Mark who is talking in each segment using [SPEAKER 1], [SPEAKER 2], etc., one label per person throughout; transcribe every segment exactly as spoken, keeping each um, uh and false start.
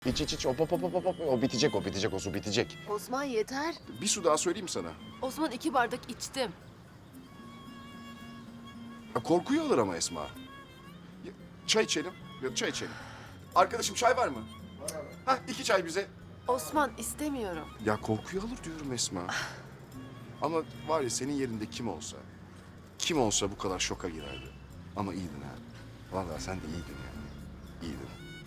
[SPEAKER 1] İç iç iç hop hop hop hop hop. O bitecek o bitecek o su bitecek.
[SPEAKER 2] Osman yeter.
[SPEAKER 1] Bir su daha söyleyeyim sana.
[SPEAKER 2] Osman iki bardak içtim.
[SPEAKER 1] Ya korkuyu alır ama Esma. Ya, çay içelim. Ya çay içelim. Arkadaşım çay var mı? Var abi. Hah iki çay bize.
[SPEAKER 2] Osman istemiyorum.
[SPEAKER 1] Ya korkuyu alır diyorum Esma. Ama var ya senin yerinde kim olsa, kim olsa bu kadar şoka girerdi. Ama iyiydin abi. Vallahi sen de iyiydin yani. İyiydin.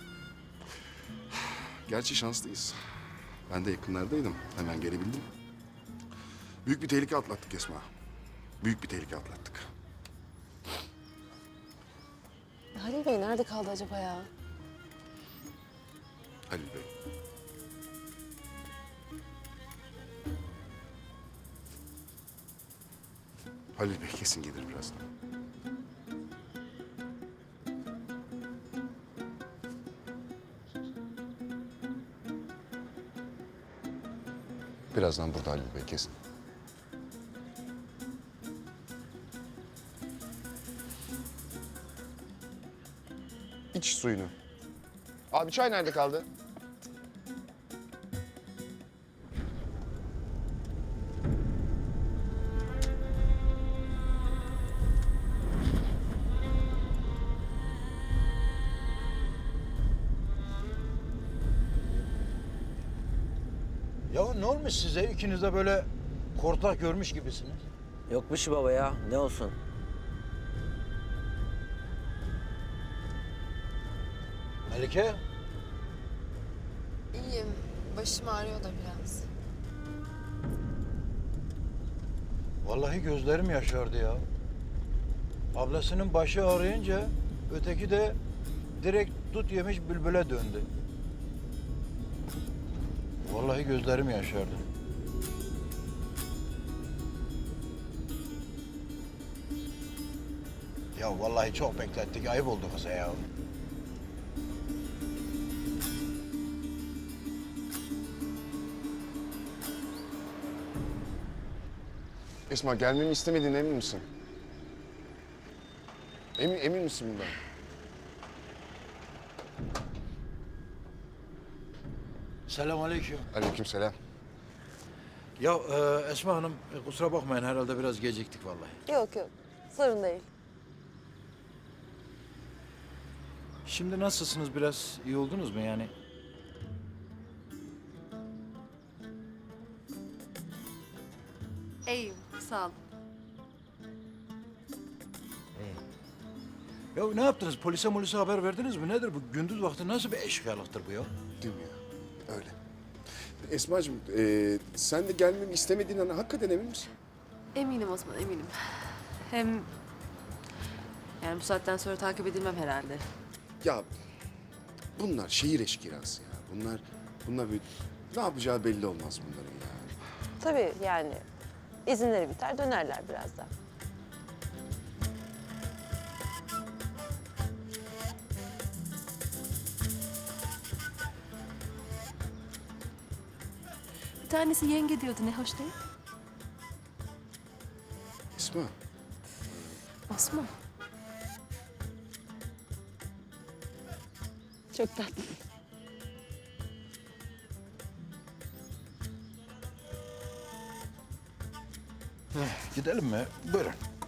[SPEAKER 1] Gerçi şanslıyız. Ben de yakınlardaydım. Hemen gelebildim. Büyük bir tehlike atlattık Esma. Büyük bir tehlike atlattık.
[SPEAKER 2] Halil Bey nerede kaldı acaba ya?
[SPEAKER 1] Halil Bey. Halil Bey kesin gelir birazdan. Birazdan burada Halil Bey kesin. İç suyunu. Abi çay nerede kaldı?
[SPEAKER 3] Ya ne olmuş size? İkiniz de böyle kortlak görmüş gibisiniz.
[SPEAKER 4] Yok bir şey baba ya. Ne olsun?
[SPEAKER 3] Melike,
[SPEAKER 5] İyiyim. Başım ağrıyor da biraz.
[SPEAKER 3] vallahi gözlerim yaşardı ya. Ablasının başı ağrıyınca öteki de direkt dut yemiş bülbüle döndü. Vallahi gözlerim yaşardı. Ya vallahi çok beklettik. Ayıp oldu kıza ya.
[SPEAKER 1] Esma gelmemi istemediğine emin misin? Emin, emin misin bundan?
[SPEAKER 3] Selamünaleyküm.
[SPEAKER 1] Aleykümselam.
[SPEAKER 3] Ya e, Esma Hanım e, kusura bakmayın herhalde biraz geciktik vallahi.
[SPEAKER 2] Yok yok. Sorun değil.
[SPEAKER 3] Şimdi nasılsınız? Biraz iyi oldunuz mu yani?
[SPEAKER 2] İyiyim. Sağ ol.
[SPEAKER 3] Ya ne yaptınız? Polise molise haber verdiniz mi? Nedir bu? Gündüz vakti nasıl bir eşkıyalıktır bu ya?
[SPEAKER 1] Değil mi ya? Öyle. Esma'cığım e, sen de gelmemi istemediğinden hakikaten emin misin?
[SPEAKER 2] Eminim Osman eminim. Hem yani bu saatten sonra takip edilmem herhalde.
[SPEAKER 1] Ya bunlar şehir eşkıyası ya. Bunlar, bunlar böyle ne yapacağı belli olmaz bunların ya.
[SPEAKER 6] Tabii yani izinleri biter dönerler birazdan.
[SPEAKER 2] Bir tanesi yenge diyordu ne hoş değil.
[SPEAKER 1] Esma,
[SPEAKER 2] Osman.
[SPEAKER 6] Çok tatlı.
[SPEAKER 3] Gidelim mi? Buyurun.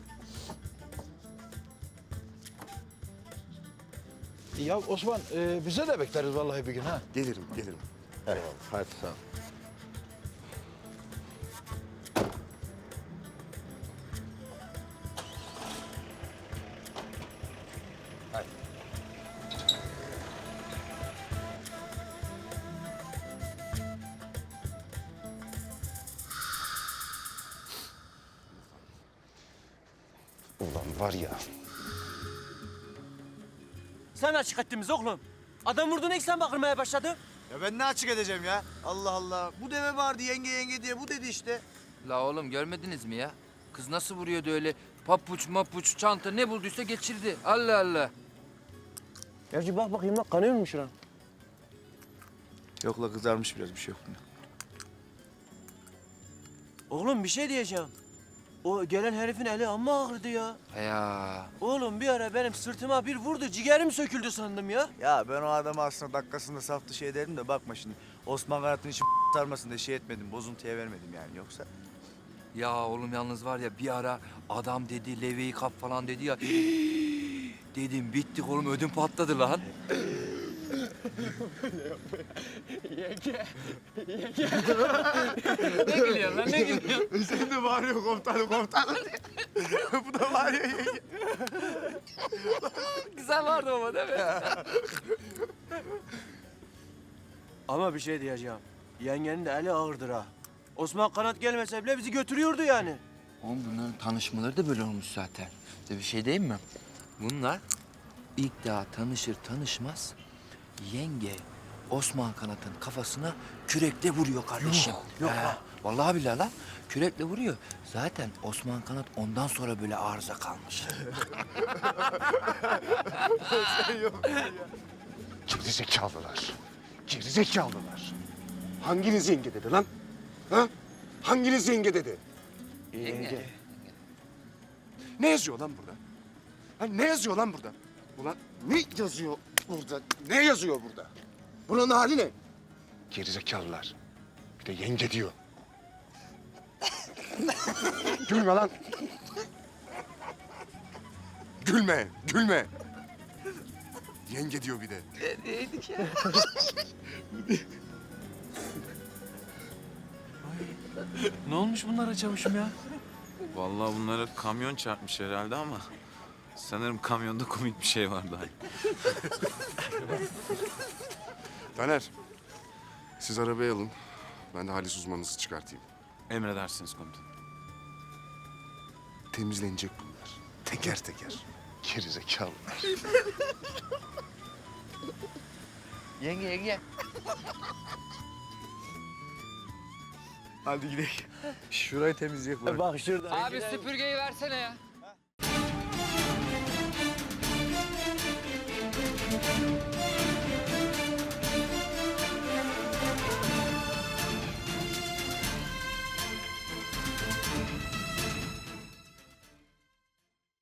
[SPEAKER 3] Ya Osman e, bize de bekleriz vallahi bir gün ha.
[SPEAKER 1] gelirim, gelirim.
[SPEAKER 3] Eyvallah. Hadi sağ ol. Hadi.
[SPEAKER 1] Ulan var ya.
[SPEAKER 4] Sen açık ettiniz oğlum. Adam vurduğuna ilk sen bakılmaya başladı.
[SPEAKER 7] Ya ben ne açık edeceğim ya? Allah Allah. Bu deve vardı yenge yenge diye bu dedi işte.
[SPEAKER 8] La oğlum görmediniz mi ya? Kız nasıl vuruyordu öyle papuç mapuç çanta ne bulduysa geçirdi. Allah Allah.
[SPEAKER 4] Gerçi bak bakayım bak kanıyor mu şuran?
[SPEAKER 7] Yok la kızarmış biraz bir şey yok bunda.
[SPEAKER 4] Oğlum bir şey diyeceğim. O gelen herifin eli amma ağrıdı ya.
[SPEAKER 8] Ya
[SPEAKER 4] Oğlum bir ara benim sırtıma bir vurdu, ciğerim söküldü sandım ya.
[SPEAKER 7] Ya ben o adamı aslında dakikasında saf dışı ederim de bakma şimdi. Osman Kanat'ın işi sarmasın diye şey etmedim, bozuntuya vermedim yani yoksa.
[SPEAKER 8] ya oğlum yalnız var ya bir ara adam dedi leveyi kap falan dedi ya. Dedim bittik oğlum ödüm patladı lan. Ne gülüyorsun lan ne gülüyorsun?
[SPEAKER 7] Sen de bağırıyor komutanım komutanım diye. Bu da bağırıyor yenge.
[SPEAKER 8] Güzel vardı ama değil mi?
[SPEAKER 4] Ama bir şey diyeceğim. Yengenin de eli ağırdır ha. Osman Kanat gelmese bile bizi götürüyordu yani.
[SPEAKER 8] Oğlum bunların tanışmaları da böyle olmuş zaten. Size bir şey diyeyim mi? Bunlar ilk daha tanışır tanışmaz yenge Osman Kanat'ın kafasına kürekle vuruyor kardeşim. Yok, yok lan. Vallahi billahi lan. Kürekle vuruyor. Zaten Osman Kanat ondan sonra böyle arıza kalmış.
[SPEAKER 1] Gerizekalılar. Gerizekalılar. Hanginiz yenge dedi lan? Ha? Hanginiz yenge dedi?
[SPEAKER 8] Yenge.
[SPEAKER 1] Ne yazıyor lan burada? Ha, ne yazıyor lan burada? Ulan ne yazıyor burada? Ne yazıyor burada? Buranın hali ne? Gerizekalılar. Bir de yenge diyor. Gülme lan. Gülme, gülme. Yenge diyor bir de.
[SPEAKER 9] Ne olmuş bunlara çavuşum ya?
[SPEAKER 10] Vallahi bunlara kamyon çarpmış herhalde ama sanırım kamyonda komik bir şey vardı.
[SPEAKER 1] Taner, siz arabayı alın. Ben de halis uzmanınızı çıkartayım.
[SPEAKER 10] Emredersiniz komutanım.
[SPEAKER 1] Temizlenecek bunlar. Teker teker. Gerizekalılar.
[SPEAKER 8] Yenge yenge.
[SPEAKER 7] Hadi gidelim. Şurayı temizleyek bari.
[SPEAKER 4] Bak şurada.
[SPEAKER 8] Abi süpürgeyi versene ya.